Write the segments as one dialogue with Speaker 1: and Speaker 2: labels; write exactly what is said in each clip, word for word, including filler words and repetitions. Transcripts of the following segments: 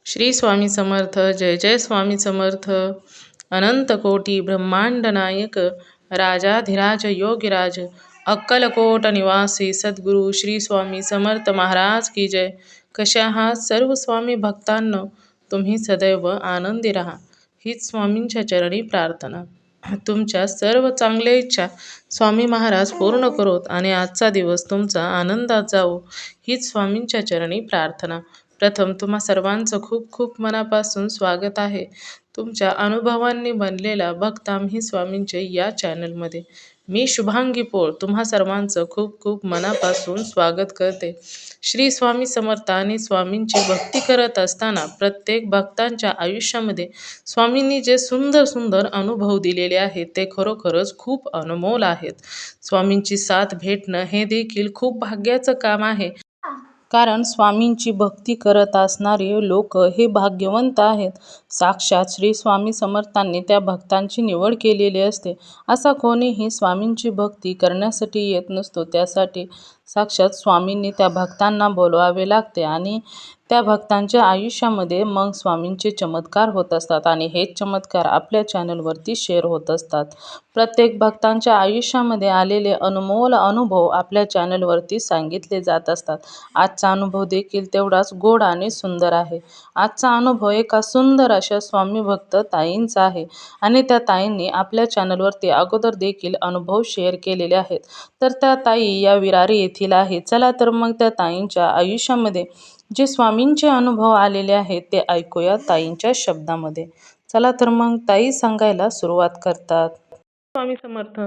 Speaker 1: श्री स्वामी समर्थ. जय जय स्वामी समर्थ. अनंत कोटी ब्रह्मांड नायक राजाधिराज योगीराज अक्कलकोट निवासी सद्गुरू श्री स्वामी समर्थ महाराज की जय. कशा आहात सर्व स्वामी भक्तांनो? तुम्ही सदैव आनंदी राहा हीच स्वामींच्या चरणी प्रार्थना. तुमच्या सर्व चांगल्या इच्छा स्वामी महाराज पूर्ण करोत आणि आजचा दिवस तुमचा आनंदात जावो हीच स्वामींच्या चरणी प्रार्थना. प्रथम तुम्हा सर्वांचं खूप खूप मनापासून स्वागत आहे तुमच्या अनुभवांनी बनलेला भक्त आम्ही स्वामींचे या चॅनलमध्ये. मी शुभांगी पोळ तुम्हा सर्वांचं खूप खूप मनापासून स्वागत करते. श्री स्वामी समर्थ आणि स्वामींची भक्ती करत असताना प्रत्येक भक्तांच्या आयुष्यामध्ये स्वामींनी जे सुंदर सुंदर अनुभव दिलेले आहेत ते खरोखरच खूप अनमोल आहेत. स्वामींची साथ भेटणं हे देखील खूप भाग्याचं काम आहे, कारण स्वामींची भक्ती करत असणारे लोक हे भाग्यवंत आहेत. साक्षात श्री स्वामी समर्थांनी त्या भक्तांची निवड केलेली असते. असा कोणीही स्वामींची भक्ती करण्यासाठी येत नसतो. त्यासाठी साक्षात स्वामींनी त्या भक्तांना बोलवावे लागते आणि त्या भक्तांच्या आयुष्यामध्ये मग स्वामींचे चमत्कार होत असतात आणि हेच चमत्कार आपल्या चॅनलवरती शेअर होत असतात. प्रत्येक भक्तांच्या आयुष्यामध्ये आलेले अनमोल अनुभव आपल्या चॅनलवरती सांगितले जात असतात. आजचा अनुभव देखील तेवढाच गोड आणि सुंदर आहे. आजचा अनुभव एका सुंदर अशा स्वामी भक्त ताईंचा आहे आणि त्या ताईंनी आपल्या चॅनलवरती अगोदर देखील अनुभव शेअर केलेले आहेत. तर त्या ताई या विरारी येथील आहे. चला तर मग त्या ताईंच्या आयुष्यामध्ये जे स्वामींचे अनुभव आलेले आहेत ते ऐकूया ताईंच्या शब्दामध्ये. चला तर मग ताई सांगायला सुरुवात करतात. स्वामी समर्थ.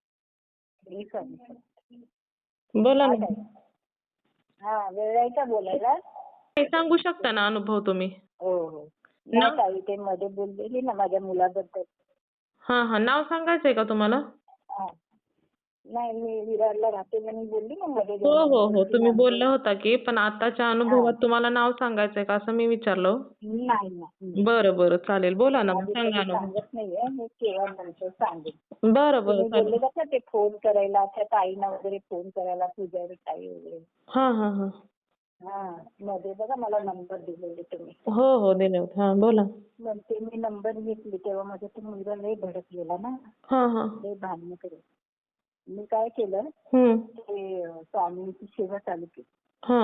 Speaker 1: बोला ना.
Speaker 2: हा वेळ आहे का बोलायला?
Speaker 1: काही सांगू शकता ना अनुभव तुम्ही?
Speaker 2: हो हो. नाही ताई, ते मध्ये बोललेली ना माझ्या मुलाबद्दल.
Speaker 1: हा हा. नाव सांगायचंय का तुम्हाला?
Speaker 2: हा. नाही, मी विरारला राहते म्हणून बोलली ना मध्ये.
Speaker 1: हो हो हो. तुम्ही बोलला होता की, पण आताच्या अनुभवात तुम्हाला नाव सांगायचंय का असं मी विचारलं.
Speaker 2: नाही नाही.
Speaker 1: बरं बरं चालेल. बोला ना,
Speaker 2: आधी
Speaker 1: सांगा
Speaker 2: कधी
Speaker 1: अनुभव.
Speaker 2: सांगत नाहीये, मी केव्हा नंतर सांगेन.
Speaker 1: बरं बरं
Speaker 2: तुम्ही
Speaker 1: चालेल.
Speaker 2: बोलले का ते फोन करायला, त्या ताईंना वगैरे फोन करायला, पूजारी ताई वगैरे.
Speaker 1: हा हा हा.
Speaker 2: हा, मध्ये बघा मला नंबर दिलेले तुम्ही.
Speaker 1: हो हो दिले होते. हा बोला.
Speaker 2: मग ते मी नंबर घेतली तेव्हा माझा तो मुलगा लय भडकलेला ना,
Speaker 1: हा हा.
Speaker 2: लय भांडणं करत. मी काय केलं,
Speaker 1: हम्म.
Speaker 2: ते अं, स्वामींची सेवा चालू केली.
Speaker 1: हा.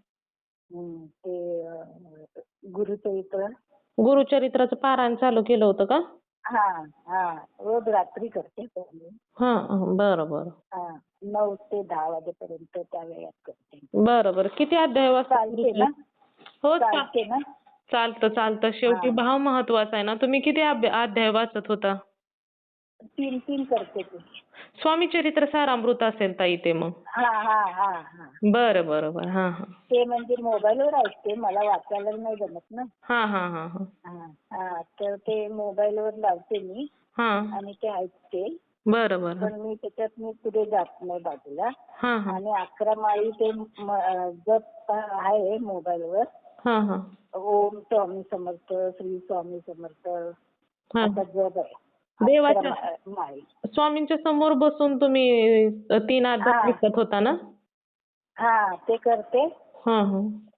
Speaker 2: हम्म, ते अं, गुरुचरित्र.
Speaker 1: गुरुचरित्राचं पारायण चालू केलं होतं का?
Speaker 2: हा हा, रोज रात्री करते पहिले.
Speaker 1: हा बरं बरं.
Speaker 2: हा, नऊ ते दहा वाजेपर्यंत त्या वेळात करते.
Speaker 1: बरं बरं. किती अध्याय वाचता?
Speaker 2: चालते ना?
Speaker 1: हो चा-
Speaker 2: चालते ना?
Speaker 1: चालतं चालतं. शेवटी
Speaker 2: हा.
Speaker 1: भाव महत्वाचा आहे ना. तुम्ही किती अभ्या- अध्याय वाचत होता?
Speaker 2: तीन तीन करते ते.
Speaker 1: स्वामी चरित्र सारामृत असेल ताई ते मग.
Speaker 2: हा हा हा हा.
Speaker 1: बरं बरं बरं. हा हा.
Speaker 2: ते म्हणजे मोबाईलवर ऐकते, मला वाचायला नाही जमत ना.
Speaker 1: हा हा हा हा.
Speaker 2: हा हा, तर ते मोबाईलवर लावते मी
Speaker 1: हा.
Speaker 2: आणि ते ऐकते.
Speaker 1: बरं बरं.
Speaker 2: पण मी त्याच्यात मी पुढे जात नाही बाजूला.
Speaker 1: हा हा.
Speaker 2: आणि अकरा माळी ते म- अं, जप आहे मोबाईलवर.
Speaker 1: हा हा.
Speaker 2: ओम स्वामी समर्थ, श्री स्वामी समर्थ
Speaker 1: हा.
Speaker 2: असा जप आहे.
Speaker 1: देवाच्या
Speaker 2: अकरा मा- माळी.
Speaker 1: स्वामींच्या समोर बसून तुम्ही अ, तीन अध्याय
Speaker 2: हा.
Speaker 1: ऐकत होता ना?
Speaker 2: हा, ते करते.
Speaker 1: हा हा.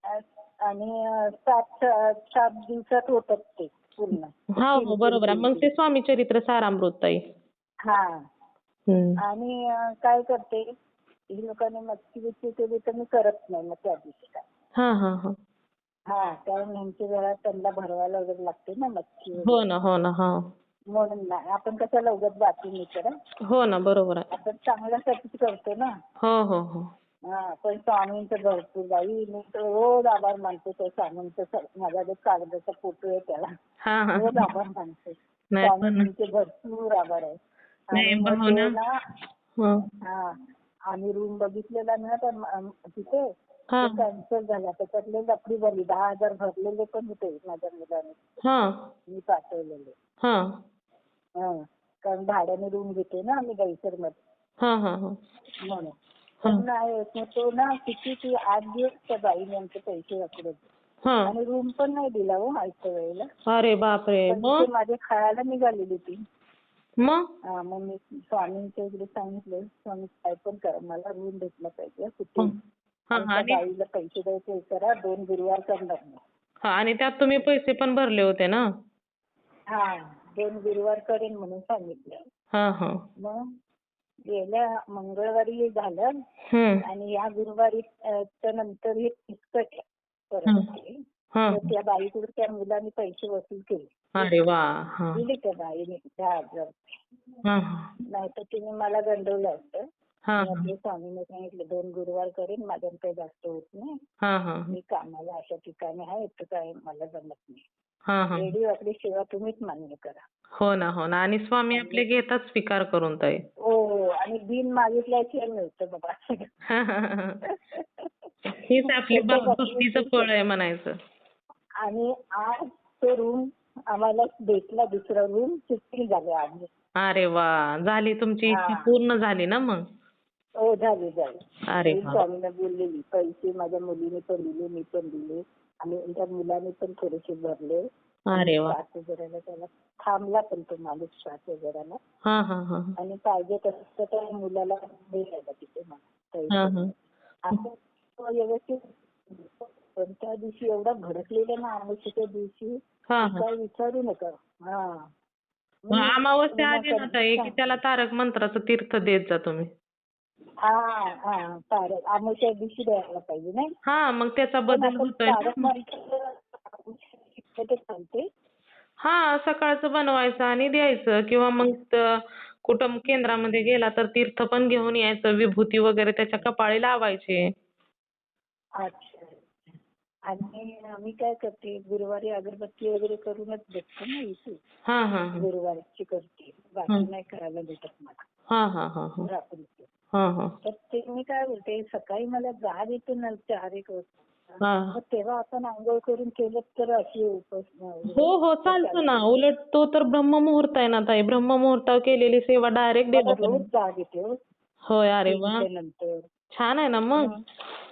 Speaker 2: आणि अं, सात सात दिवसात होतात ते पूर्ण.
Speaker 1: हा
Speaker 2: तीन-
Speaker 1: हो
Speaker 2: तीन-
Speaker 1: बरोबर आहे.
Speaker 2: तीन-
Speaker 1: मग
Speaker 2: तीन.
Speaker 1: ते स्वामी चरित्र सारामृत ताई.
Speaker 2: हा.
Speaker 1: हम्म.
Speaker 2: आणि अं, काय करते, ही लोकांनी मच्छी बिच्छी केली तर मी करत नाही मग त्या दिवशी काय.
Speaker 1: हा हा हा.
Speaker 2: हा, कारण ह्यांची घरात त्यांना भरवायला वगैरे लागते ना मच्छी
Speaker 1: हो
Speaker 2: वगैरे.
Speaker 1: ना हो ना. हा.
Speaker 2: म्हणून नाही, आपण कशाला उगाच बाकी नाही करत.
Speaker 1: हो ना बरोबर आहे.
Speaker 2: आपण चांगल्यासाठीच करतो ना.
Speaker 1: हो हो हो.
Speaker 2: हा, पण स्वामींचं भरपूर बाई, मी तर रोज आभार मानते त्या स्वामींचं. स- माझा जो कागदाचा फोटो आहे त्याला
Speaker 1: हा हा.
Speaker 2: रोज आभार मानते.
Speaker 1: नाही पण
Speaker 2: स्वामींचे भरपूर आभार आहे.
Speaker 1: नाही
Speaker 2: आणि मग
Speaker 1: भाऊ
Speaker 2: ते
Speaker 1: ना.
Speaker 2: ना,
Speaker 1: हं.
Speaker 2: हा, आम्ही रूम बघितलेला ना तर म- तिथे
Speaker 1: हा
Speaker 2: कॅन्सल झाला. त्याच्यातले लफडी झाली. दहा हजार भरलेले पण होते माझ्या मुलाने,
Speaker 1: हा
Speaker 2: मी पाठवलेले.
Speaker 1: हा
Speaker 2: हा, कारण भाड्याने रूम घेते ना आम्ही गाईसर मध्ये,
Speaker 1: हा हा हा.
Speaker 2: म्हणून. पण नाही, मग तो ना किती ती आठ दिवस त्या बाईने आमचे पैसे वापरले
Speaker 1: हा.
Speaker 2: आणि रूम पण नाही दिला हो आयत्या वेळेला.
Speaker 1: अरे बापरे.
Speaker 2: पण
Speaker 1: मग
Speaker 2: तिथे माझे खायला निघालेली ती.
Speaker 1: मग
Speaker 2: हा, मग मी स्वामींच्या इकडे सांगितलं, स्वामी काय पण करा, मला रूम भेटला पाहिजे कुठे.
Speaker 1: हा
Speaker 2: आणि
Speaker 1: हा.
Speaker 2: त्या
Speaker 1: आणि
Speaker 2: बाईला पैसे द्यायचे करा, दोन गुरुवार करणार नाही.
Speaker 1: हा आणि त्यात तुम्ही पैसे पण भरले होते ना?
Speaker 2: हा दोन गुरुवार करेन म्हणून सांगितलं.
Speaker 1: हा हा.
Speaker 2: मग गेल्या मंगळवारी झालं
Speaker 1: हम्म.
Speaker 2: आणि या गुरुवारी अ, तर नंतर हे फिसकट परत
Speaker 1: हम्म.
Speaker 2: आले.
Speaker 1: हा.
Speaker 2: तर त्या बाईकडून त्या मुलाने पैसे वसूल केले.
Speaker 1: अरे वा. हा.
Speaker 2: दिले त्या बाईने दहा हजार.
Speaker 1: हा.
Speaker 2: नाही तर तिने मला गंडवलं असतं.
Speaker 1: हा.
Speaker 2: मी आपल्या स्वामीने सांगितलं दोन गुरुवार करेन, माझ्यानं काही जास्त होत नाही.
Speaker 1: हा. हा.
Speaker 2: मी कामाला अशा ठिकाणी आहे, तर काय मला जमत नाही.
Speaker 1: हा. हा.
Speaker 2: रेडिओ आपली सेवा तुम्हीच मान्य करा.
Speaker 1: हो ना हो ना आणि स्वामी आपले घेतात स्वीकार करून ताई.
Speaker 2: हो आणि बिन मागितल्याशिवाय मिळतं बाबा.
Speaker 1: हीच आपली
Speaker 2: त्याच्या
Speaker 1: भा- भक्तीचं
Speaker 2: बाबतीत
Speaker 1: फळ आहे म्हणायचं.
Speaker 2: आणि आज तो रूम आम्हाला भेटला, दुसरा रूम शिफ्टिंग झाले आम्ही.
Speaker 1: अरे वा झाली तुमची इच्छा
Speaker 2: हा.
Speaker 1: पूर्ण झाली ना मग.
Speaker 2: हो झाली झाली.
Speaker 1: अरे
Speaker 2: मी
Speaker 1: वा.
Speaker 2: स्वामीला बोललेली, पैसे माझ्या मुलीने पण दिले, मी पण दिले आणि त्या मुलाने पण थोडेसे भरले.
Speaker 1: अरे वा.
Speaker 2: श्वास वगैरेला त्याला थांबला पण तो माणूस श्वास वगैरेला.
Speaker 1: हा हा हा.
Speaker 2: आणि पाहिजे तसं तर त्या मुलाला द्यायला तिथे मला
Speaker 1: हा
Speaker 2: पैसे.
Speaker 1: हा.
Speaker 2: असं तो व्यवस्थित. पण त्या दिवशी एवढा भडकलेला ना अमावस्येच्या दिवशी,
Speaker 1: हा
Speaker 2: की
Speaker 1: हा.
Speaker 2: काय विचारू नका. हा
Speaker 1: मग
Speaker 2: मी
Speaker 1: अमावस्या आली ना ताई की
Speaker 2: विनाकारण-
Speaker 1: त्याला तारक मंत्राचं तीर्थ देत जा तुम्ही.
Speaker 2: हा हा तारक अमावस्या दिवशी द्यायला पाहिजे नाही.
Speaker 1: हा मग त्याचा
Speaker 2: पण
Speaker 1: बदल
Speaker 2: आपण
Speaker 1: होतोय ना.
Speaker 2: तारक मंत्र ते चालते.
Speaker 1: हा सकाळचं बनवायचं आणि द्यायचं किंवा मग त- कुठं केंद्रामध्ये गेला तर तीर्थ पण घेऊन यायचं, विभूती वगैरे त्याच्या कपाळी लावायची.
Speaker 2: अच्छा. आणि मी काय करते, गुरुवारी अगरबत्ती वगैरे करूनच बसते ना इथे.
Speaker 1: हा हा हा.
Speaker 2: गुरुवारची करते, बाकी
Speaker 1: हं.
Speaker 2: नाही करायला भेटत मला
Speaker 1: हा हा हा हा.
Speaker 2: रात्रीचं.
Speaker 1: हा हा.
Speaker 2: तर ते मी काय बोलते, सकाळी मला जाग येते ना चार एक वाजता.
Speaker 1: हा.
Speaker 2: मग तेव्हा आपण आंघोळ करून केलं तर अशी उपास
Speaker 1: हो हो चालतं ना. उलट तो तर ब्रह्ममुहूर्त आहे ना ताई. ब्रह्ममुहूर्तावर केलेली सेवा डायरेक्ट
Speaker 2: मला
Speaker 1: देवा.
Speaker 2: रोज जाग येते हो,
Speaker 1: होय अरे वा.
Speaker 2: तीनच्या नंतर.
Speaker 1: छान आहे ना मग.
Speaker 2: मग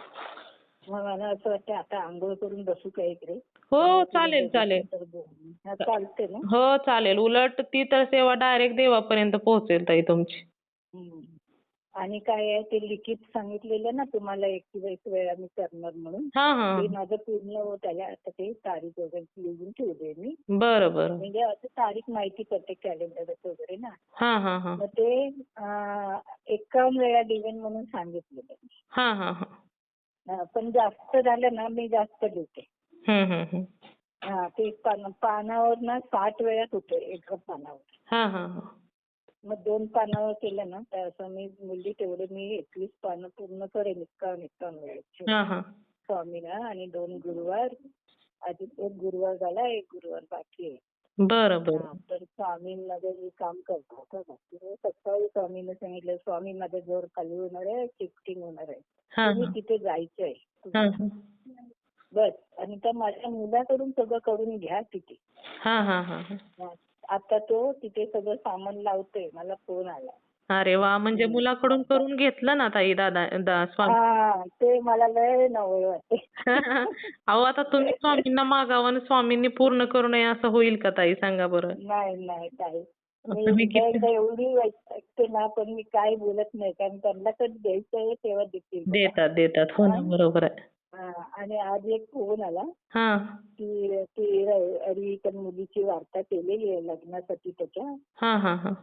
Speaker 2: मग मला असं वाटतं आता आंघोळ करून बसू का इकडे.
Speaker 1: हो चालेल चालेल.
Speaker 2: तर बोलू. हा, चालते ना.
Speaker 1: हो चालेल. उलट ती तर सेवा डायरेक्ट देवापर्यंत पोहोचेल ताई तुमची.
Speaker 2: हम्म. आणि काय आहे ते लिखित सांगितलेलं ना तुम्हाला एकवीस वेळा मी करणार म्हणून,
Speaker 1: हा हा.
Speaker 2: ते माझं पूर्ण होत आलं. आता ते तारीख वगैरे लिहून ठेवले मी.
Speaker 1: बरं बरं.
Speaker 2: म्हणजे असं तारीख माहिती पडते कॅलेंडर वगैरे ना.
Speaker 1: हा हा हा.
Speaker 2: मग ते अं, एकावन्न वेळा डिव्हाइन म्हणून सांगितलेलं.
Speaker 1: हा हा हा.
Speaker 2: हा, पण जास्त झालं ना मी जास्त लिहिते.
Speaker 1: हम्म हम्म हम्म.
Speaker 2: हा ते पान पानावर ना साठ वेळा होतं एका पानावर.
Speaker 1: हा हा हा.
Speaker 2: मग दोन पानावर केलं ना तर असं मी मुली तेवढे मी एकवीस पानं पूर्ण करेन एकावन्न एकावन्न वेळेचे
Speaker 1: हा हा.
Speaker 2: स्वामीला. आणि दोन गुरुवार, आधी एक गुरुवार झाला, एक गुरुवार बाकी आहे.
Speaker 1: बरं बरं.
Speaker 2: हा, तर स्वामींमध्ये मी काम करतो. सकाळी स्वामीने सांगितलं, स्वामी माझा जोर खाली होणार आहे, शिफ्टिंग होणार आहे,
Speaker 1: हा
Speaker 2: तुम्ही
Speaker 1: हा.
Speaker 2: तिथे जायचं आहे
Speaker 1: हा
Speaker 2: तुम्हाला. बस. आणि त्या माझ्या मुलाकडून सगळं करून घ्या तिथे.
Speaker 1: हा हा हा.
Speaker 2: हा. आता तो तिथे सगळं सामान लावतोय, मला फोन आला.
Speaker 1: अरे वा. म्हणजे मुलाकडून करून घेतलं ना ताई दादा दा स्वामी.
Speaker 2: हा ते मला लय नवल वाटते.
Speaker 1: अहो आता तुम्ही स्वामींना मागावं आणि स्वामींनी पूर्ण करू नये असं होईल का ताई सांगा बरं.
Speaker 2: नाही नाही ताई, मी
Speaker 1: तुम्ही
Speaker 2: एकदा
Speaker 1: किती
Speaker 2: एकदा एवढी वैतागते ना, पण मी काय बोलत नाही, कारण त्यांना कधी द्यायचं आहे तेव्हा देतील बघा.
Speaker 1: देतात देतात. हो ना बरोबर आहे.
Speaker 2: हा, आणि आज एक फोन आला
Speaker 1: हा.
Speaker 2: की ती रविवारी त्या मुलीची वार्ता केलेली आहे लग्नासाठी त्याच्या.
Speaker 1: हा हा हा.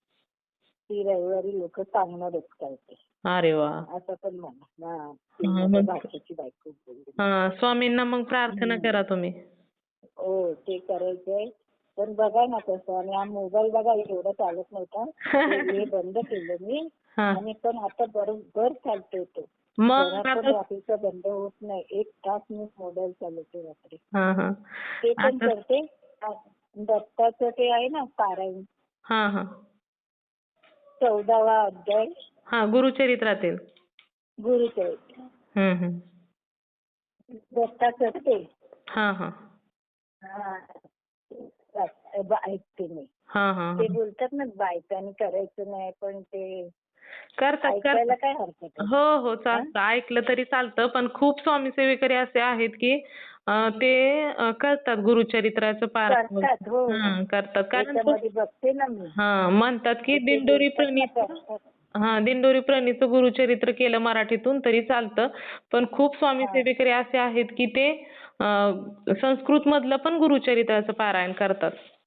Speaker 2: ती रविवारी लोक सांगणार आहेत काय ते,
Speaker 1: अरे वा.
Speaker 2: असं पण म्हणा. हा,
Speaker 1: हा,
Speaker 2: ती माझ्या
Speaker 1: मग
Speaker 2: भाच्याची बायको बोलली.
Speaker 1: हा स्वामींना मग प्रार्थना करा तुम्ही.
Speaker 2: हो ते करायचंय. पण बघा ना कसं, आणि हा मोबाईल बघा एवढा चालत नव्हता, ते हे बंद केलं मी.
Speaker 1: हा.
Speaker 2: आणि पण आता बरोबर चालतोय तो.
Speaker 1: मग
Speaker 2: जरा पण
Speaker 1: आता
Speaker 2: रात्रीचा बंद होत नाही. एक तास मी मोबाईल चालवते रात्री.
Speaker 1: हा हा.
Speaker 2: ते पण
Speaker 1: आता
Speaker 2: करते. दत्ताचं ते आहे ना पारायण,
Speaker 1: हा हा.
Speaker 2: चौदावा अध्याय
Speaker 1: हा गुरुचरित्रातील.
Speaker 2: गुरुचरित्र
Speaker 1: हम्म हम्म.
Speaker 2: दत्ताचं ते.
Speaker 1: हा हा.
Speaker 2: हा, ऐकते मी.
Speaker 1: हा हा.
Speaker 2: ते बोलतात ना बायकांनी करायचं नाही, पण ते
Speaker 1: करतात
Speaker 2: ऐकायला
Speaker 1: करतात.
Speaker 2: काय हरकत आहे.
Speaker 1: हो हो चालतं. ऐकलं तरी चालतं. पण खूप स्वामी सेवेकरी असे आहेत की अं, ते अं, करतात गुरुचरित्राचं पारायण.
Speaker 2: करतात. हो
Speaker 1: हा करतात. कारण तो
Speaker 2: त्याच्यामध्ये बघते ना मी.
Speaker 1: हा म्हणतात की
Speaker 2: ते
Speaker 1: दिंडोरी
Speaker 2: बोलतात ना
Speaker 1: प्रणीत
Speaker 2: करतात.
Speaker 1: हा दिंडोरी प्रणीतचं गुरुचरित्र केलं मराठीतून तरी चालतं. पण खूप स्वामी
Speaker 2: हा.
Speaker 1: सेवेकरी असे आहेत की ते संस्कृत मधलं पण गुरुचरित्राचं पारायण करतात.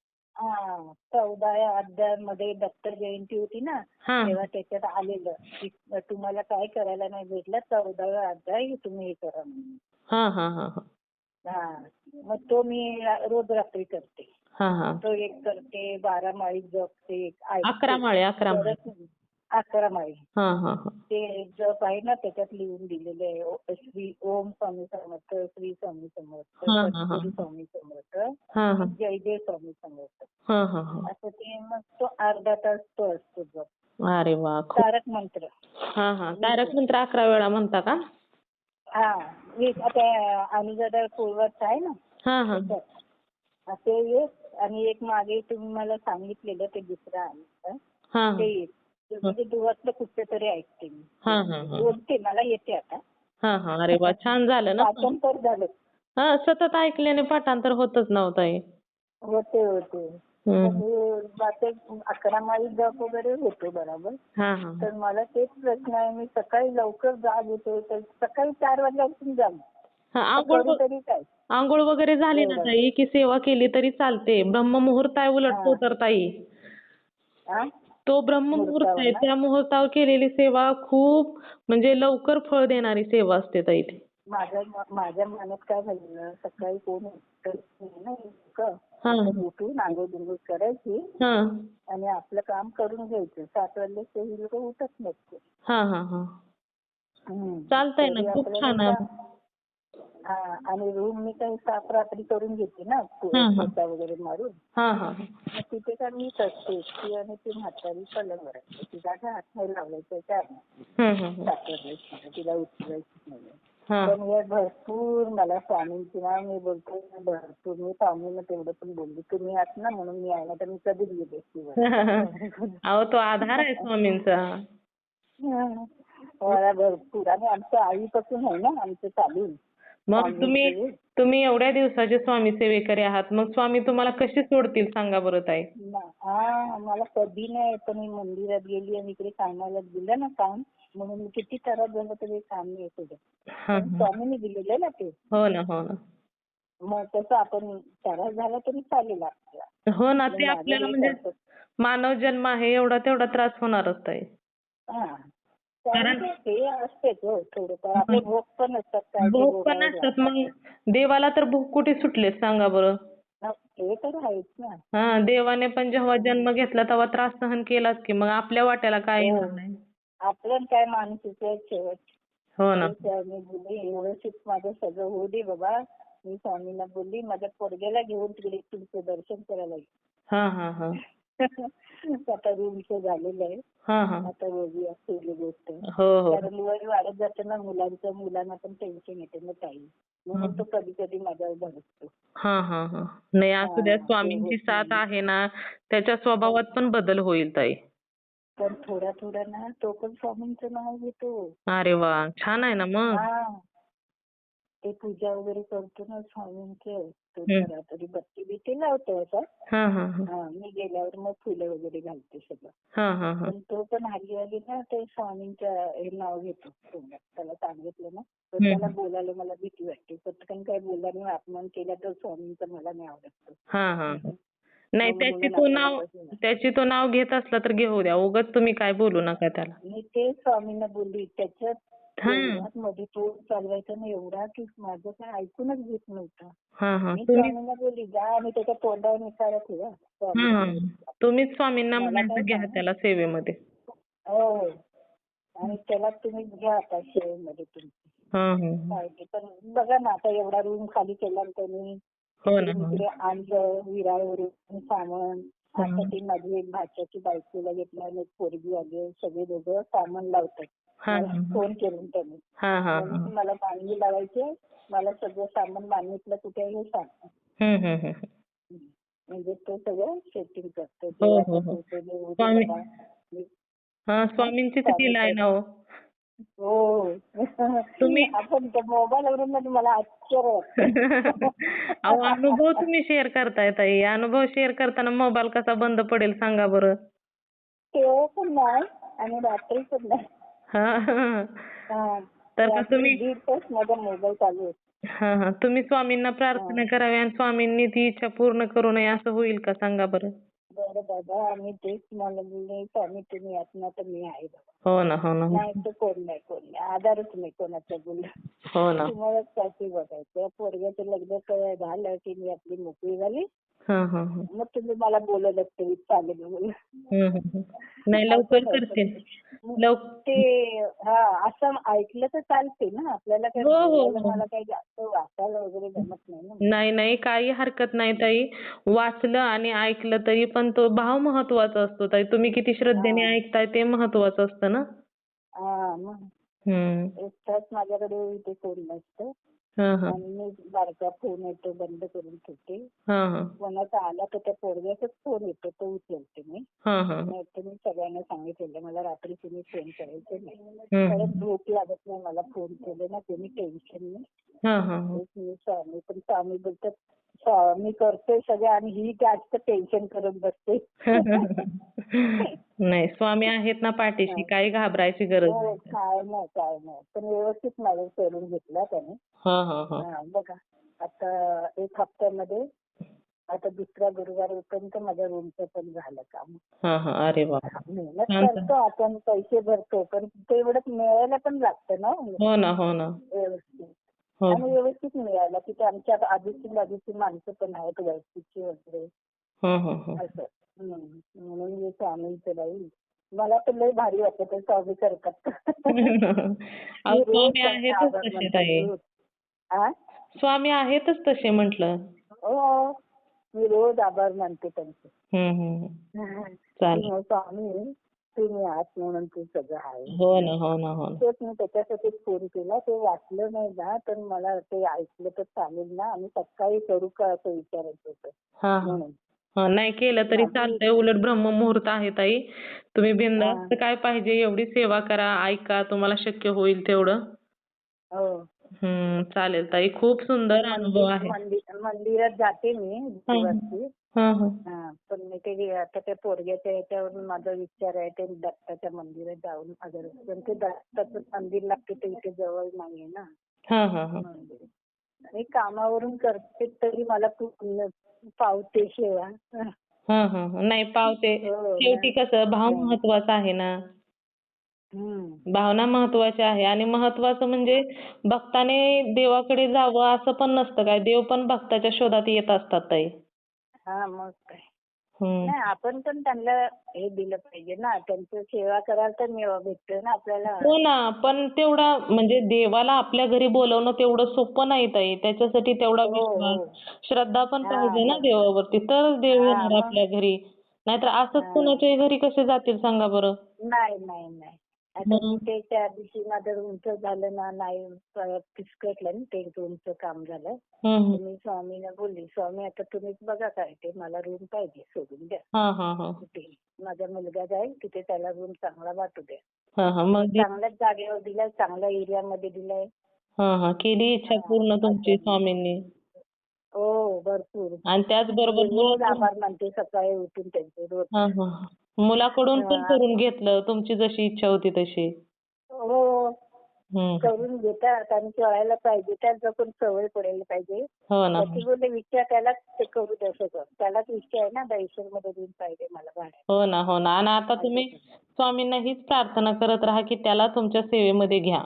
Speaker 2: हा चौदाव्या अध्यायामध्ये दत्त जयंती होती ना,
Speaker 1: हा
Speaker 2: तेव्हा त्याच्यात आलेलं की तुम्हाला काय करायला नाही भेटलं, चौदाव्या अध्याय तुम्ही हे करा म्हणून.
Speaker 1: हा हा हा हा
Speaker 2: हा मग तो मी रोज रात्री करते.
Speaker 1: हा हा
Speaker 2: तो एक करते, बारा माळी जपते,
Speaker 1: अकरा
Speaker 2: ऐकते.
Speaker 1: माळे अकरा माळे
Speaker 2: परत अकरा माळी
Speaker 1: हा हा हा
Speaker 2: ते जप आहे ना, त्याच्यात लिहून दिलेले आहे. ओ- श्री ओम स्वामी समर्थ, श्री स्वामी समर्थ,
Speaker 1: हा हा हा
Speaker 2: सद्गुरू स्वामी समर्थ,
Speaker 1: हा हा
Speaker 2: जयदेव स्वामी समर्थ.
Speaker 1: हा हा हा
Speaker 2: असं ते मग तो अर्धा तास तो असतो जप.
Speaker 1: अरे वा खूप.
Speaker 2: तारक मंत्र
Speaker 1: हा हा तारक मंत्र अकरा वेळा म्हणता का?
Speaker 2: हा वीस आता अनुजादा पूर्वच आहे ना
Speaker 1: हा हा
Speaker 2: त्याच्यात. हा, ते एक आणि एक मागे तुम्ही मला सांगितलेलं ते दुसरं आहे
Speaker 1: हा
Speaker 2: ते एक. ते म्हणजे दुवातलं कुठचं तरी ऐकते मी.
Speaker 1: हा हा हा
Speaker 2: बोलते, मला येते आता.
Speaker 1: हा हा अरे वा छान झालं ना.
Speaker 2: पाठांतर झालं.
Speaker 1: हा सतत ऐकल्याने पाठांतर होतच नव्हतं हे.
Speaker 2: होते होते
Speaker 1: हम्म.
Speaker 2: म्हणजे जाते अकरा माळी जप वगैरे होतो बरोबर.
Speaker 1: हा हा
Speaker 2: तर मला तेच प्रश्न आहे, मी सकाळी लवकर जाग येते तर सकाळी चार वाजल्यापासून जाग
Speaker 1: हा
Speaker 2: तर
Speaker 1: आंघोळ
Speaker 2: करू तरी काय.
Speaker 1: आंघोळ वगैरे झाली ना
Speaker 2: एवढं
Speaker 1: ताई की सेवा केली तरी चालते. ब्रह्ममुहूर्त आहे उलट तो
Speaker 2: हा
Speaker 1: तर ताई.
Speaker 2: हा
Speaker 1: तो ब्रह्ममुहूर्त
Speaker 2: मुहूर्तावर
Speaker 1: आहे
Speaker 2: ना.
Speaker 1: त्या मुहूर्तावर केलेली सेवा खूप म्हणजे लवकर फळ देणारी सेवा असते ताई ती.
Speaker 2: माझ्या माझ्या मनात काय झालेलं, सकाळी कोण उठत नाही ना इतकं.
Speaker 1: हा
Speaker 2: आपण उठून आंघोळ बिंघोळ करायची
Speaker 1: हा
Speaker 2: आणि आपलं काम करून घ्यायचं. सात वाजले ते लोक उठत नसते.
Speaker 1: हा हा हा
Speaker 2: हम्म.
Speaker 1: चालतंय ना
Speaker 2: तरी
Speaker 1: खूप
Speaker 2: आपल्याला
Speaker 1: छान आहे.
Speaker 2: सा- हा आणि रूम मी काही साफ रात्री करून घेते ना
Speaker 1: हा हा
Speaker 2: पोचा वगैरे मारून.
Speaker 1: हा हा
Speaker 2: मग तिथे काय मीच असते एकटी आणि ती म्हातारी पलंगवर असते. तिला काय हात नाही लावायचा चार
Speaker 1: हम्म हम्म
Speaker 2: सात वाजले तिला उठवायचीच नाही.
Speaker 1: हा
Speaker 2: पण हे भरपूर मला स्वामींची ना मी बोलते भरपूर मी स्वामींना तेवढं पण बोलली तुम्ही आहात ना म्हणून मी आहे ना तर मी कधीच गेले असते.
Speaker 1: अहो तो आधार आहे स्वामींचा.
Speaker 2: मला भरपूर आणि आमच्या आईपासून आहे ना आमचं चालू.
Speaker 1: मग तुम्ही तुम्ही एवढ्या दिवसाचे स्वामी सेवेकरी आहात, मग स्वामी तुम्हाला कसे सोडतील सांगा बरं ताई.
Speaker 2: हा मला कधी नाही, पण मी मंदिरात गेली आणि इकडे कामाला दिलं ना काम म्हणून मी किती त्रास झाला तरी काम नाही सोडत.
Speaker 1: हा,
Speaker 2: पण
Speaker 1: हा.
Speaker 2: स्वामींनी दिलेलं ना ते.
Speaker 1: हो ना हो ना
Speaker 2: मग तसं आपण त्रास झाला तरी चालेल आपल्याला.
Speaker 1: हो ना ते
Speaker 2: माझं
Speaker 1: आपल्याला
Speaker 2: हे
Speaker 1: म्हणजे
Speaker 2: करतात.
Speaker 1: मानव जन्म आहे एवढा तेवढा त्रास होणारच ताई.
Speaker 2: हा कारण ते असतेच हो थोडंफार. आपले भोग पण असतात काय ते
Speaker 1: भूक पण
Speaker 2: भोगावे
Speaker 1: असतात
Speaker 2: लागतात.
Speaker 1: मग देवाला तर भूक कुठे सुटले सांगा बरं.
Speaker 2: ते तर आहेच ना.
Speaker 1: हा देवाने पण जेव्हा जन्म घेतला तेव्हा त्रास सहन केलाच की मग आपल्या वाट्याला काय येणार नाही.
Speaker 2: आपलं काय माणसाचं शेवट.
Speaker 1: हो ना
Speaker 2: मी बोलली व्यवस्थित माझं सगळं होऊ दे बाबा. मी स्वामींना बोलली माझ्या पोरग्याला घेऊन तिकडे तुमचं दर्शन करायला येईल.
Speaker 1: हा हा हा
Speaker 2: आता रूमचं झालेलं आहे.
Speaker 1: हा हा
Speaker 2: आता बघूया पहिली गोष्ट.
Speaker 1: हो हो
Speaker 2: कारण वय वाढत जातं ना मुलांचं, मुलांना पण टेन्शन येते ना ताई. म्हणून तो कधी कधी माझ्यावर धडकतो.
Speaker 1: हा हा हा नाही असू द्या
Speaker 2: हा, ते
Speaker 1: स्वामींची
Speaker 2: होत
Speaker 1: साथ
Speaker 2: नाही.
Speaker 1: आहे ना त्याच्या स्वभावात पण बदल होईल ताई.
Speaker 2: पण थोडा थोडा ना तो पण स्वामींचं नाव घेतो.
Speaker 1: अरे वा छान आहे ना मग.
Speaker 2: हा ते पूजा वगैरे करतो ना स्वामींचं तो
Speaker 1: हम्म.
Speaker 2: जरा तरी बत्ती बित्ती लावतो असा.
Speaker 1: हा हा हा
Speaker 2: हा मी गेल्यावर मग फुलं वगैरे घालते सगळं.
Speaker 1: हा हा हा
Speaker 2: पण तो पण हल्ली हल्ली ना ते स्वामींचं हे नाव घेतो तोंडात. त्याला सांगितलं ना तर
Speaker 1: हम्म.
Speaker 2: त्याला बोलायला मला भीती वाटते. पटकन काय बोलल्याने अपमान केला तर स्वामींचं मला नाही आवडत.
Speaker 1: हा हा नाही
Speaker 2: मग
Speaker 1: त्याची
Speaker 2: म्हणून
Speaker 1: तो
Speaker 2: आपल्याला
Speaker 1: नाव
Speaker 2: कसं नाही.
Speaker 1: त्याची तो नाव घेत असला तर घेऊ द्या उगाच तुम्ही काय बोलू नका त्याला.
Speaker 2: मी ते स्वामींना बोलली त्याच्यात
Speaker 1: हा
Speaker 2: एवढ्यात मध्ये तो चालवायचा ना एवढा की माझं काय ऐकूनच घेत नव्हता.
Speaker 1: हा हा
Speaker 2: मी
Speaker 1: तुम्ही
Speaker 2: स्वामींना बोलली जा आणि त्याच्या तोंडावर निसारा ठेवा. स्वामी
Speaker 1: हा
Speaker 2: समर्थ.
Speaker 1: तुम्हीच स्वामींना
Speaker 2: मला काय
Speaker 1: म्हणायचं घ्या
Speaker 2: सांग
Speaker 1: त्याला सेवेमध्ये.
Speaker 2: हो आणि त्याला तुम्ही घ्या आता शेवमध्ये तुम्ही.
Speaker 1: हा हा
Speaker 2: काय ते पण बघा ना आता एवढा रूम खाली केला त्यांनी.
Speaker 1: हो ना
Speaker 2: इकडे
Speaker 1: हो
Speaker 2: तिकडे आणलं विराळवरून सामान.
Speaker 1: ना
Speaker 2: आता ती माझी एक भाच्याची बायकोला घेतला आणि एक पोरगी आली सगळे दोघं सामान लावतात.
Speaker 1: हा
Speaker 2: मला फोन करून त्यांनी.
Speaker 1: हा हा
Speaker 2: म्हणून मला मांडवी लावायचे. मला सगळं सामान मागितलं कुठे आहे हे सांग.
Speaker 1: हम्म हम्म हम्म
Speaker 2: म्हणजे तो सगळं सेटिंग करतो.
Speaker 1: हो
Speaker 2: देवाच्या
Speaker 1: हो हो
Speaker 2: कृपेने होऊ दे
Speaker 1: स्वामी
Speaker 2: बाबा.
Speaker 1: हा स्वामींचीच लीला आहे ना हो.
Speaker 2: हो
Speaker 1: तुम्ही
Speaker 2: आपण मोबाईलवरून मला आश्चर्य वाटतं.
Speaker 1: अहो अनुभव तुम्ही शेअर करताय ताई. अनुभव शेअर करताना मोबाईल कसा बंद पडेल सांगा बरं.
Speaker 2: तेव्हा पण नाही आणि रात्री पण नाही.
Speaker 1: हा
Speaker 2: हा
Speaker 1: तर का
Speaker 2: रात्री
Speaker 1: तुम्ही
Speaker 2: दीड तास माझा मोबाईल चालू असतो.
Speaker 1: हा हा तुम्ही स्वामींना प्रार्थना करावी आणि स्वामींनी ती इच्छा पूर्ण करू नये असं होईल का सांगा बरं?
Speaker 2: बरं बाबा, आम्ही तेच म्हणले, स्वामी तुम्ही आहात ना, तर मी आहे बाबा.
Speaker 1: हो ना हो ना
Speaker 2: नाही तर कोण नाही कोण नाही, आधारच नाही कोणाचा बोलला.
Speaker 1: हो ना.
Speaker 2: तुम्हालाच काहीतरी बघायचं. पोरग्याचं लग्न क- झालं की मी आपली मोकळी झाली,
Speaker 1: हा हा हा
Speaker 2: मग तुम्ही मला बोलवलं तरी चालेल बोल.
Speaker 1: हम्म, हम्म, हम्म. नाही
Speaker 2: असं
Speaker 1: लवकर
Speaker 2: नाही
Speaker 1: करते.
Speaker 2: पण मग
Speaker 1: लव
Speaker 2: ते हा असं ऐकलं तर चालते ना, आपल्याला काय
Speaker 1: हो हो
Speaker 2: बोलायला
Speaker 1: हो.
Speaker 2: मला काही जास्त वाचायला वगैरे जमत नाही ना.
Speaker 1: नाही नाही काही हरकत नाही ताई. वाचलं आणि ऐकलं तरी पण तो भाव महत्वाचा असतो ताई. तुम्ही किती श्रद्धेने
Speaker 2: हा
Speaker 1: ऐकताय ते महत्वाचं असतं ना.
Speaker 2: हा मग
Speaker 1: हम्म.
Speaker 2: एकटाच माझ्याकडे इथे कोण नसतं
Speaker 1: हा हा
Speaker 2: आणि मी बारका फोन येतो बंद करून ठेवते.
Speaker 1: हा हा
Speaker 2: कोणाचा आला तर त्या पोरग्याचाच फोन येतो, तो उचलते मी.
Speaker 1: हा हा
Speaker 2: नाही तर मी सगळ्यांना सांगितलेलं मला रात्री तुम्ही फोन करायचे नाही.
Speaker 1: हम्म.
Speaker 2: परत झोप लागत नाही मला फोन केले ना, तुम्ही टेन्शन नाही.
Speaker 1: हा हा हा.
Speaker 2: तेच मी स्वामी पण स्वामी बोलतात, स्वामी करतोय सगळं आणि ही जास्त टेन्शन करत बसते.
Speaker 1: नाही स्वामी आहेत ना पाठीशी, काही घाबरायची गरज
Speaker 2: हो
Speaker 1: नाही.
Speaker 2: काय नाही काय नाही, पण व्यवस्थित माझं करून घेतला त्याने.
Speaker 1: हा हा हा
Speaker 2: हा, बघा आता एक हप्त्यामध्ये आता दुसरा गुरुवार पर्यंत माझ्या रूमचं पण झालं काम.
Speaker 1: हा हा अरे वा.
Speaker 2: मेहनत
Speaker 1: छान छान.
Speaker 2: करतो आपण, पैसे भरतो, पण तेवढंच मिळायला पण लागतं ना
Speaker 1: हो ना हो ना
Speaker 2: व्यवस्थित.
Speaker 1: हो.
Speaker 2: आणि व्यवस्थित मिळायला तिथे आमच्या आजूची बाजूची माणसं पण आहेत व्यवस्थितची वगैरे
Speaker 1: हो हो हो.
Speaker 2: असं. हम्म. म्हणून मी स्वामींचं बाई मला तर लय भारी वाटतं ते स्वामी करतात.
Speaker 1: अहो
Speaker 2: मी रोज
Speaker 1: स्वामी
Speaker 2: त्यांचे
Speaker 1: आहेतच
Speaker 2: आभार
Speaker 1: तसे
Speaker 2: मानते
Speaker 1: ताई.
Speaker 2: रोज. आ?
Speaker 1: स्वामी आहेतच तसे म्हटलं.
Speaker 2: हो, मी रोज आभार मानते त्यांचे.
Speaker 1: हम्म हम्म.
Speaker 2: की
Speaker 1: चालेल.
Speaker 2: मग स्वामी तुम्ही आहात म्हणून तू सगळं आहे.
Speaker 1: हो ना हो ना हो ना.
Speaker 2: तेच मी त्याच्यासाठीच फोन केला. ते वाचलं नाही ना तर मला ते ऐकलं तर चालेल ना, आणि सकाळी करू का असं विचारायचं होतं
Speaker 1: हा हा.
Speaker 2: म्हणून.
Speaker 1: हा, नाही केलं तरी
Speaker 2: माझी
Speaker 1: चालतंय. उलट ब्रह्ममुहूर्त आहे ताई. तुम्ही
Speaker 2: हा,
Speaker 1: बिनधास्त काय पाहिजे एवढी सेवा करा, ऐका, तुम्हाला शक्य होईल तेवढं.
Speaker 2: हो.
Speaker 1: हम्म चालेल ताई. खूप सुंदर अनुभव
Speaker 2: मंदिर
Speaker 1: आहे.
Speaker 2: मंदिर मंदिरात जाते मी
Speaker 1: हा
Speaker 2: गुरुवारची.
Speaker 1: हा हा.
Speaker 2: हा, पण मी ते आता त्या पोरग्याच्या याच्यावरून माझा विचार आहे ते दत्ताच्या मंदिरात जाऊन अगर, पण ते दत्ताचं मंदिर लागते ते इथे जवळ नाहीये ना
Speaker 1: हा हा हा.
Speaker 2: मंदिर. आणि कामावरून करते तरी मला पूर्ण पावते सेवा.
Speaker 1: हा हा हा. नाही पावते.
Speaker 2: हो
Speaker 1: शेवटी
Speaker 2: ना.
Speaker 1: कसं भाव
Speaker 2: हं.
Speaker 1: महत्वाचा आहे ना.
Speaker 2: हम्म.
Speaker 1: भावना महत्वाच्या आहे आणि महत्वाचं म्हणजे भक्ताने देवाकडे जावं असं पण नसतं काय. देव पण भक्ताच्या शोधात येत असतात ताई.
Speaker 2: हा मग काय.
Speaker 1: हम्म.
Speaker 2: नाही आपण पण त्यांना हे दिलं पाहिजे ना, त्यांची सेवा करायला तर मेवा भेटतोय ना आपल्याला.
Speaker 1: हो ना, पण तेवढा म्हणजे देवाला आपल्या घरी बोलवणं तेवढं सोपं नाही ताई. त्याच्यासाठी तेवढा
Speaker 2: हो
Speaker 1: विश्वास,
Speaker 2: हो.
Speaker 1: श्रद्धा पण
Speaker 2: हा
Speaker 1: पाहिजे ना
Speaker 2: मग.
Speaker 1: देवावरती, तरच देव
Speaker 2: हा
Speaker 1: येणार
Speaker 2: मग.
Speaker 1: आपल्या घरी. नाहीतर असंच
Speaker 2: हा.
Speaker 1: कुणाच्याही घरी कसे जातील सांगा बरं.
Speaker 2: नाही नाही नाही. आता मी
Speaker 1: मग
Speaker 2: ते त्या दिवशी माझं रूमचं झालं ना, नाही फिसकटलं ना ते रूमचं काम झालं.
Speaker 1: हम्म हम्म.
Speaker 2: तर मी स्वामीला बोलली, स्वामी आता तुम्हीच बघा काय ते, मला रूम पाहिजे सोडून द्या
Speaker 1: हा हा हा.
Speaker 2: कुठे. माझा मुलगा जाईल तिथे, त्याला रूम चांगला वाटू द्या.
Speaker 1: हा हा. मग दे-
Speaker 2: चांगल्याच जागेवर दिलाय, चांगल्या एरियामध्ये दिलाय.
Speaker 1: हा हा. केली इच्छा
Speaker 2: हा,
Speaker 1: पूर्ण तुमची
Speaker 2: असं.
Speaker 1: स्वामींनी.
Speaker 2: हो भरपूर.
Speaker 1: आणि
Speaker 2: मी
Speaker 1: त्याचबरोबर
Speaker 2: रोज
Speaker 1: मुलाकडून
Speaker 2: आभार मानते सकाळी उठून त्यांचे रोज.
Speaker 1: हा हा. मुलाकडून पण
Speaker 2: हा.
Speaker 1: करून घेतलं तुमची जशी इच्छा होती तशी.
Speaker 2: हो,
Speaker 1: हम्म.
Speaker 2: करून घेतात आणि कळायला पाहिजे, त्याला पण सवय पडायला पाहिजे.
Speaker 1: हो ना.
Speaker 2: त्याची बोलले विचार त्यालाच ते करू द्या सगळं. त्यालाच इच्छा आहे ना मध्ये रूम पाहिजे मला भाड्याने.
Speaker 1: हो ना हो ना. आणि आता तुम्ही स्वामींना हीच प्रार्थना करत राहा की त्याला तुमच्या सेवेमध्ये घ्या.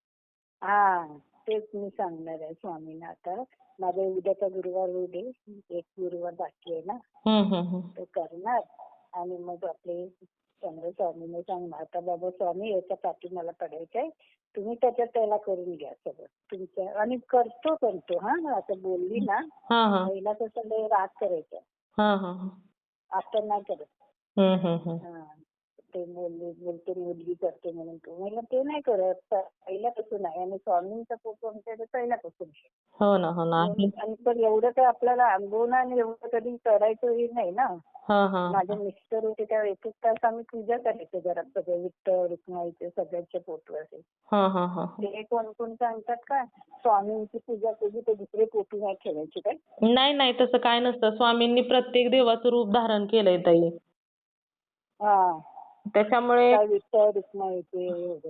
Speaker 2: हा, तेच मी सांगणार आहे स्वामींना आता. माझा उद्याचा गुरुवार होऊ दे, एक गुरुवार बाकी आहे ना,
Speaker 1: हम्म हम्म हम्म.
Speaker 2: तो करणार. आणि मग आपले चंद्र स्वामीने सांगणार, आता बाबा स्वामी याच्या पाठी मला पडायचंय, तुम्ही त्याच्यात त्याला करून घ्या सगळं तुमच्या. आणि करतो पण तो. हा, असं बोलली ना,
Speaker 1: हा हा.
Speaker 2: पहिला कसं लय राग करायचा,
Speaker 1: हा हा हा.
Speaker 2: आता नाही करत.
Speaker 1: हम्म हम्म हम्म.
Speaker 2: हा, ते बोलले बोलते मुलगी करते म्हणून तो. म्हणलं ते नाही करत, पहिल्यापासून आहे. आणि स्वामींचा फोटो आमच्याकडे पहिल्यापासून आहे.
Speaker 1: हो ना हो ना. आहे.
Speaker 2: आणि पण एवढं काय आपल्याला अनुभव नाही आणि एवढं कधी करायचं हे नाही ना.
Speaker 1: हा हा.
Speaker 2: माझे मिस्टर होते तेव्हा एक एक तास आम्ही पूजा करायचो घरात, सगळे विठ्ठल रुक्माईचे सगळ्यांचे फोटो असे.
Speaker 1: हा हा हा.
Speaker 2: ते कोण कोण सांगतात का स्वामींची पूजा केली तर दुसरे फोटो नाही ठेवायचे काय?
Speaker 1: नाही नाही तसं काय नसतं. स्वामींनी प्रत्येक देवाचं रूप धारण केलंय ताई.
Speaker 2: हा,
Speaker 1: त्याच्यामुळे
Speaker 2: काय विठ्ठल रुक्माईचे वगैरे.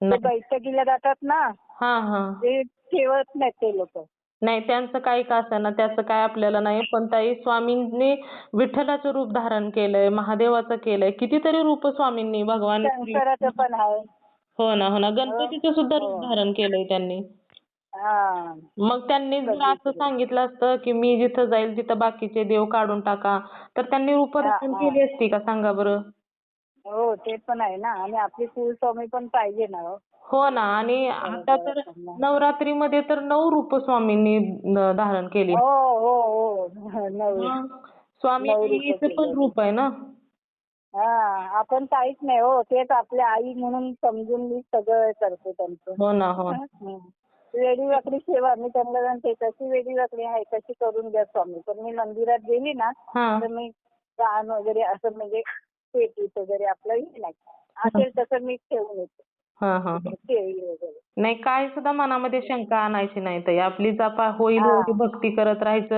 Speaker 2: ते
Speaker 1: नाही.
Speaker 2: बैठकीला जातात ना,
Speaker 1: हा हा
Speaker 2: ते ठेवत नाहीत ते लोक.
Speaker 1: नाही, त्यांचं काही का असेना, त्याचं काय आपल्याला नाही. पण ताई, स्वामींनी विठ्ठलाचं रूप धारण केलंय, महादेवाचं केलंय, कितीतरी रूप स्वामींनी, भगवान श्री-
Speaker 2: शंकराचं पण आहे.
Speaker 1: हो ना हो ना,
Speaker 2: हो
Speaker 1: गणपतीचं सुद्धा रूप
Speaker 2: हो.
Speaker 1: धारण केलंय त्यांनी.
Speaker 2: हा
Speaker 1: मग त्यांनी जर असं
Speaker 2: सगळीकडे.
Speaker 1: सांगितलं असतं की मी जिथं जाईल तिथं बाकीचे देव काढून टाका, तर त्यांनी रूप
Speaker 2: हा
Speaker 1: धारण
Speaker 2: हा
Speaker 1: केली असती का, सांगा बरं?
Speaker 2: हो ते पण आहे ना. आणि आपली कुलस्वामी पण पाहिजे ना हो.
Speaker 1: हो ना. आणि आता तर
Speaker 2: हो
Speaker 1: नवरात्रीमध्ये तर नऊ रूप स्वामींनी न- धारण केली.
Speaker 2: हो हो. नऊ
Speaker 1: मग स्वामी
Speaker 2: नऊ रूप
Speaker 1: आईचं पण
Speaker 2: केले.
Speaker 1: रूप आहे ना.
Speaker 2: हा आपण काहीच नाही हो. तेच आपल्या आई म्हणून समजून मी सगळं करते त्यांचं.
Speaker 1: हो ना हो.
Speaker 2: हं. वेडी वाकडी सेवा मी त्यांना म्हणते, तशी वेडी वाकडी आहे तशी करून द्या स्वामी. पण मी मंदिरात गेली ना
Speaker 1: हा
Speaker 2: तर मी दान वगैरे असं म्हणजे पेटीत वगैरे आपलं हे नाही असेल तसं मी ठेवून येते.
Speaker 1: हा हा हा.
Speaker 2: केळी वगैरे.
Speaker 1: नाही, काय सुद्धा मनामध्ये शंका आणायची नाही ताई. आपली जपा होईल
Speaker 2: हा.
Speaker 1: एवढी भक्ती करत राहायचं.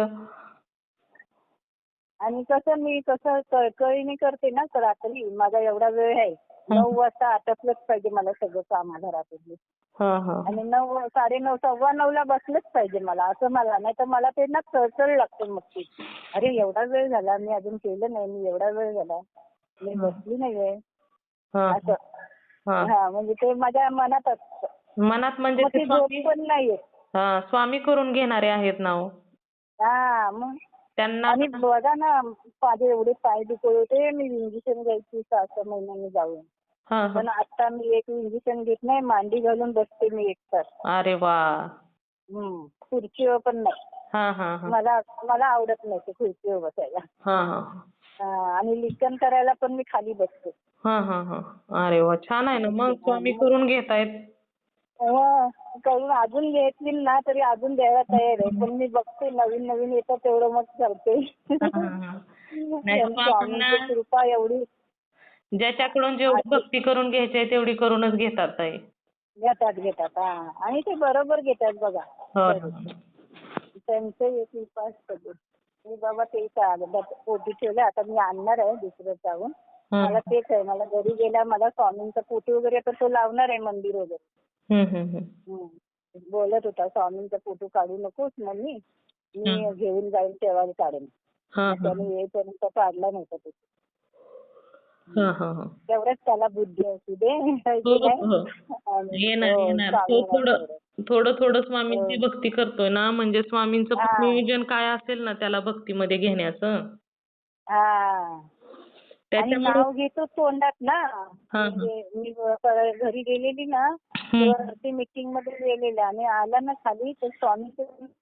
Speaker 2: आणि कसं मी कसं कळकळीने करते ना तर रात्री माझा एवढा वेळ आहे. नऊ वाजता आटपलंच पाहिजे मला सगळं काम घरातलं.
Speaker 1: हा हा
Speaker 2: आणि नऊ साडेनऊ सव्वा नऊला बसलंच पाहिजे मला, असं मला. नाही तर मला ते ना चळचळ लागते मग ती. अरे एवढा वेळ झाला मी अजून केलं नाही, मी एवढा वेळ झाला मी बसली नाहीये
Speaker 1: हा
Speaker 2: असं.
Speaker 1: हा.
Speaker 2: हा म्हणजे ते माझ्या मनात असतं.
Speaker 1: मनात म्हणजे
Speaker 2: मग
Speaker 1: ते
Speaker 2: ती झोप
Speaker 1: स्वामी,
Speaker 2: पण नाहीये.
Speaker 1: हा, स्वामी करून घेणारे आहेत ना हो.
Speaker 2: हा मग.
Speaker 1: त्यांना
Speaker 2: आणि बघा ना माझे एवढे पाय दुखत होते, मी इंजेक्शन घ्यायची सहा सहा महिन्यांनी जाऊन.
Speaker 1: हा हा.
Speaker 2: पण आता मी एक इंजेक्शन घेत नाही, मांडी घालून बसते मी एक तास.
Speaker 1: अरे वा.
Speaker 2: हम्म. खुर्चीवर पण नाही.
Speaker 1: हा हा हा.
Speaker 2: मला मला आवडत नाही ते खुर्चीवर बसायला.
Speaker 1: हा हा
Speaker 2: हा, आणि लिखाण करायला पण मी खाली बसते.
Speaker 1: हा हा हा. अरे वा, छान आहे ना. मग स्वामी करून घेतायत.
Speaker 2: हो, करून अजून घेतली ना तरी अजून द्यायला तयार आहे. पण मी बघते नवीन नवीन येतं तेवढं मग करते.
Speaker 1: हा, हा, हा. नाही,
Speaker 2: स्वामींची
Speaker 1: स्वामींना
Speaker 2: कृपा एवढी.
Speaker 1: ज्याच्याकडून जेवढी भक्ती करून घ्यायची आहे तेवढी करूनच घेतात ताई.
Speaker 2: घेतात घेतात. हा, आणि ते बरोबर घेतात बघा.
Speaker 1: हो ना.
Speaker 2: त्यांचे एक विश्वास पडले. मी बाबा ते पोटी ठेवलं, आता मी आणणार आहे दुसरं जाऊन. मला तेच आहे, मला घरी गेल्या मला स्वामींचा पोटी वगैरे तर तो लावणार आहे मंदिर वगैरे.
Speaker 1: हम्म हम्म
Speaker 2: हम्म. बोलत होता स्वामींचा फोटो काढू नकोस मम्मी, मी घेऊन जाईल तेव्हा काढेन.
Speaker 1: हा
Speaker 2: त्याने येईपर्यंत काढला नव्हता तो.
Speaker 1: हा हा हा.
Speaker 2: तेवढ्याच त्याला बुद्धी असू दे.
Speaker 1: हो हो. येणार येणार. तो थोडं थोडं थोडं स्वामींची भक्ती करतोय ना, म्हणजे स्वामींचं पण नियोजन काय असेल ना त्याला भक्तीमध्ये घेण्याचं.
Speaker 2: हा. आणि नाव घेतो तोंडात ना. म्हणजे मी घरी गेलेली ना तेव्हा मीटिंग मध्ये गेलेले आणि आला ना खाली तर स्वामीचं.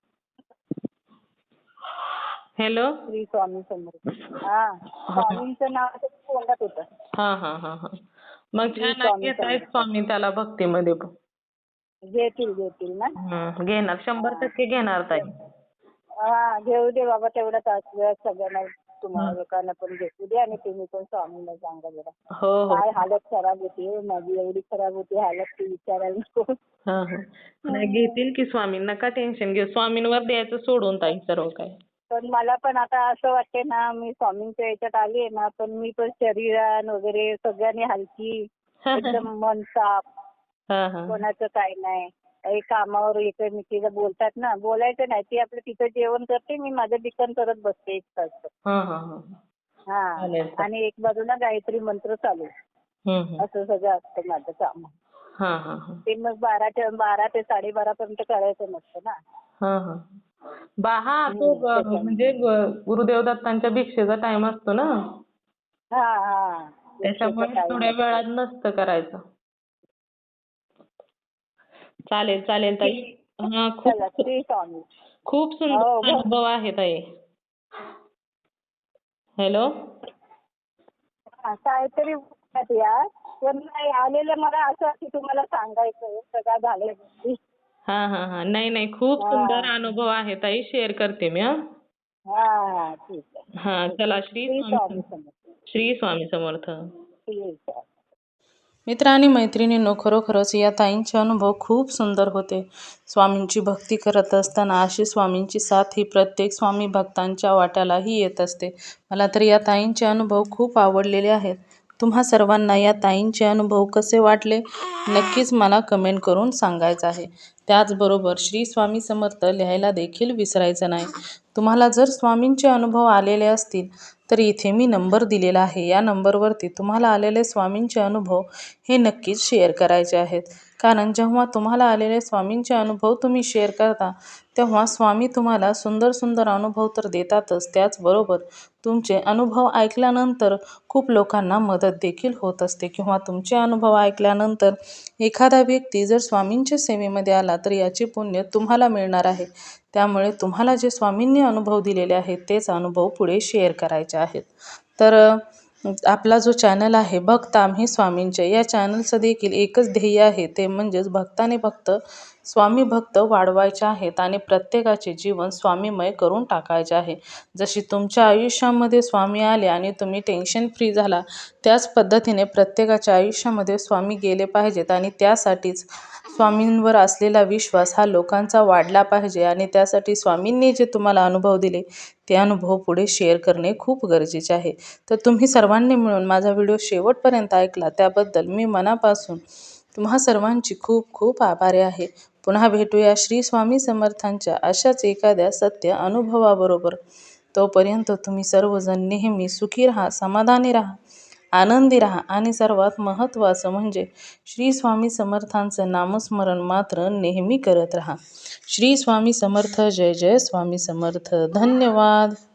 Speaker 1: हॅलो.
Speaker 2: श्री स्वामी समर्थ. हा, स्वामींचं नाव तोंडात होतं.
Speaker 1: हा हा हा हा. मग छान घेतायत स्वामी त्याला भक्तीमध्ये.
Speaker 2: घेतील घेतील ना.
Speaker 1: हम्म, घेणार, शंभर टक्के घेणार ताई.
Speaker 2: हा, घेऊ दे बाबा तेवढा तास वेळ सगळ्यांना, तुम्हाला लोकांना पण घेऊ दे. आणि तुम्ही पण स्वामींना सांगा जरा.
Speaker 1: हो हो.
Speaker 2: काय हालत खराब होती माझी, एवढी खराब होती हालत ती विचारायला नको.
Speaker 1: हा हा. नाही, घेतील की स्वामी, नका टेन्शन घेऊ. स्वामींवर द्यायचं सोडून ताई सर्व काय.
Speaker 2: पण मला पण आता असं वाटते ना, मी स्वामींच्या याच्यात आली आहे ना, पण मी पण शरीरान वगैरे सगळ्यांनी हलकी, एकदम मन साफ, कोणाचं काय नाही. काही कामावर एकमेकीला बोलतात ना, बोलायचं नाही. ती आपलं तिथं जेवण करते, मी माझं लिखाण करत बसते एक तास. हा, आणि एक बाजूला गायत्री मंत्र चालू, असं सगळं असतं माझं काम. ते मग बाराच्या बारा ते साडेबारा पर्यंत करायचं नसतं ना.
Speaker 1: हा हा. बा हा, तो म्हणजे गुरुदेव दत्तांच्या भिक्षेचा टाइम असतो ना.
Speaker 2: हा हा.
Speaker 1: त्याच्यामुळे थोड्या वेळात नसतं करायचं. चालेल चालेल ताई. हा, खूप खूप सुंदर अनुभव आहे ताई. हॅलो.
Speaker 2: काहीतरी यार, पण नाही आलेलं मला असं की तुम्हाला सांगायचं सगळं झालंय.
Speaker 1: हा हा हा. नाही नाही, खूप सुंदर अनुभव आहे ताई, शेअर करते मी. हा
Speaker 2: हा, ठीक आहे.
Speaker 1: हा, चला. श्री स्वामी श्री स्वामी समर्थ. मित्र आणि मैत्रिणींनो, खरोखरच या ताईंचे अनुभव खूप सुंदर होते. स्वामींची भक्ती करत असताना अशी स्वामींची साथ ही प्रत्येक स्वामी भक्तांच्या वाट्यालाही येत असते. मला तर या ताईंचे अनुभव खूप आवडलेले आहेत. तुम्हा सर्वांना या ताईंचे अनुभव कसे वाटले नक्कीच मला कमेंट करून सांगायचं आहे. त्याचबरोबर श्री स्वामी समर्थ लिहायला देखील विसरायचं नाही. तुम्हाला जर स्वामींचे अनुभव आलेले असतील तर इथे मी नंबर दिलेला आहे. या नंबरवरती तुम्हाला आलेले स्वामींचे अनुभव हे नक्कीच शेअर करायचे आहेत. कारण जेव्हा तुम्हाला आलेले स्वामींचे अनुभव तुम्ही शेअर करता तेव्हा स्वामी तुम्हाला सुंदर सुंदर अनुभव तर देतातच, त्याचबरोबर तुमचे अनुभव ऐकल्यानंतर खूप लोकांना मदत देखील होत असते किंवा तुमचे अनुभव ऐकल्यानंतर एखादा व्यक्ती जर स्वामींच्या सेवेमध्ये आला तर याचे पुण्य तुम्हाला मिळणार आहे. त्यामुळे तुम्हाला जे स्वामींनी अनुभव दिलेले आहेत तेच अनुभव पुढे शेअर करायचे आहेत. तर आपला जो चॅनल आहे भक्त आम्ही स्वामींचे, या चॅनलचं देखील एकच ध्येय आहे, ते म्हणजेच भक्ताने भक्त स्वामी भक्त वाढवायचे आहेत आणि प्रत्येकाचे जीवन स्वामीमय करून टाकायचे आहे. जशी तुमच्या आयुष्यामध्ये स्वामी आले आणि तुम्ही टेन्शन फ्री झाला, त्याच पद्धतीने प्रत्येकाच्या आयुष्यामध्ये स्वामी गेले पाहिजेत आणि त्यासाठीच स्वामींवर असलेला विश्वास हा लोकांचा वाढला पाहिजे आणि त्यासाठी स्वामींनी जे तुम्हाला अनुभव दिले ते अनुभव पुढे शेअर करणे खूप गरजेचे आहे. तर तुम्ही सर्वांनी मिळून माझा व्हिडिओ शेवटपर्यंत ऐकला त्याबद्दल मी मनापासून तुम्हा सर्वांची खूप खूप आभारी आहे. पुन्हा भेटूया श्री स्वामी समर्थांच्या अशाच एखाद्या सत्य अनुभवाबरोबर. तोपर्यंत तुम्ही सर्वजण नेहमी सुखी राहा, समाधानी राहा, आनंदी राहा आणि सर्वात महत्त्वाचं म्हणजे श्री स्वामी समर्थांचं नामस्मरण मात्र नेहमी करत राहा. श्री स्वामी समर्थ. जय जय स्वामी समर्थ. धन्यवाद.